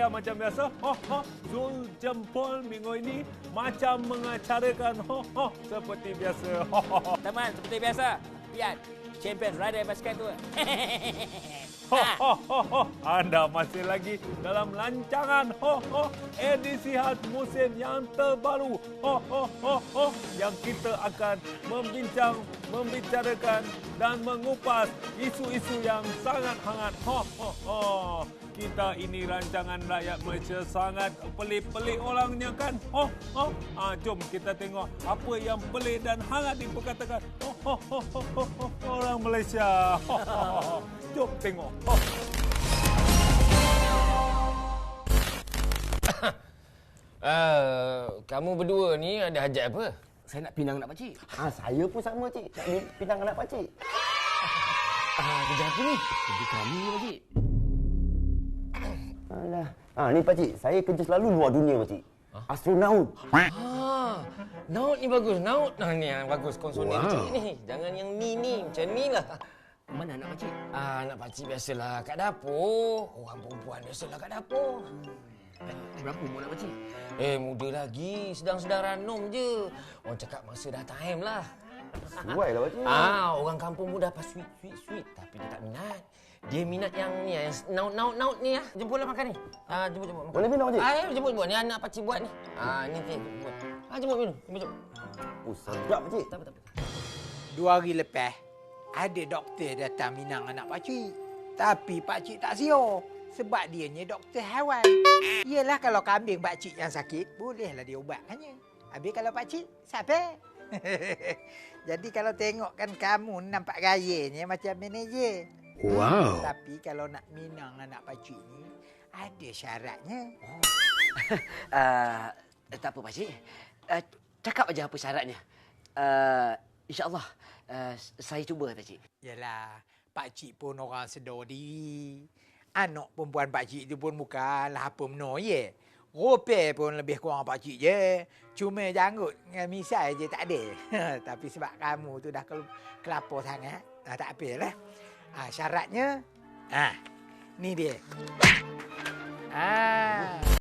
saya macam biasa. Zul Jempol minggu ini macam mengacarakan seperti biasa. Teman, seperti biasa. Lihat, champion rider basikal tu. Anda masih lagi dalam rancangan edisi khas musim yang terbaru. Yang kita akan membicarakan dan mengupas isu-isu yang sangat hangat. Kita ini rancangan rakyat Malaysia sangat pelik-pelik orangnya kan. Jom kita tengok apa yang pelik dan hangat diperkatakan orang Malaysia. Jom tengok. Kamu berdua ni ada hajat apa? Saya nak pinang anak pakcik. Saya pun sama, cik. Nak pinang anak pakcik. Kerja apa ni? Kerja kami ni, pakcik. Alah. Ni pakcik, saya kerja selalu luar dunia, pakcik. Astronaut. Naut ni bagus. Naut ni yang bagus. Konsonan macam ni. Jangan yang ni. Macam ni lah. Mana anak pakcik? Anak pakcik biasalah kat dapur. Orang perempuan biasalah kat dapur. Berapa umur anak pakcik? Muda lagi. Sedang-sedang ranum je. Orang cakap masa dah time lah. Sesuai lah, pakcik. Orang kampung muda apa sweet. Tapi dia tak minat. Dia minat yang ni, yang naut ni lah. Jemputlah makan ni. Jemput makan. Boleh minum, pakcik? Jemput. Ni anak pakcik buat ni. Ni jemput. Jemput minum. Jemput. Sedap, pakcik. Tak apa. 2 hari lepas, ada doktor datang minang anak pakcik. Tapi pakcik tak siur. Sebab dianya doktor haiwan. Yelah kalau kambing pakcik yang sakit, bolehlah dia ubatkannya. Habis kalau pakcik, siapa? Jadi kalau tengokkan kamu nampak gayanya macam manager. Wow. Tapi kalau nak minang anak pakcik ni, ada syaratnya. Tak apa, pakcik. Cakap aja apa syaratnya. InsyaAllah, saya cuba, pakcik. Yalah, pakcik pun orang sedar diri. Anak perempuan pakcik tu pun bukanlah apa menor ye. Rupiah pun lebih kurang pakcik je. Cuma janggut dengan misai je tak ada. Tapi sebab kamu tu dah kelapar sangat, tak apalah. Syaratnya, ni dia.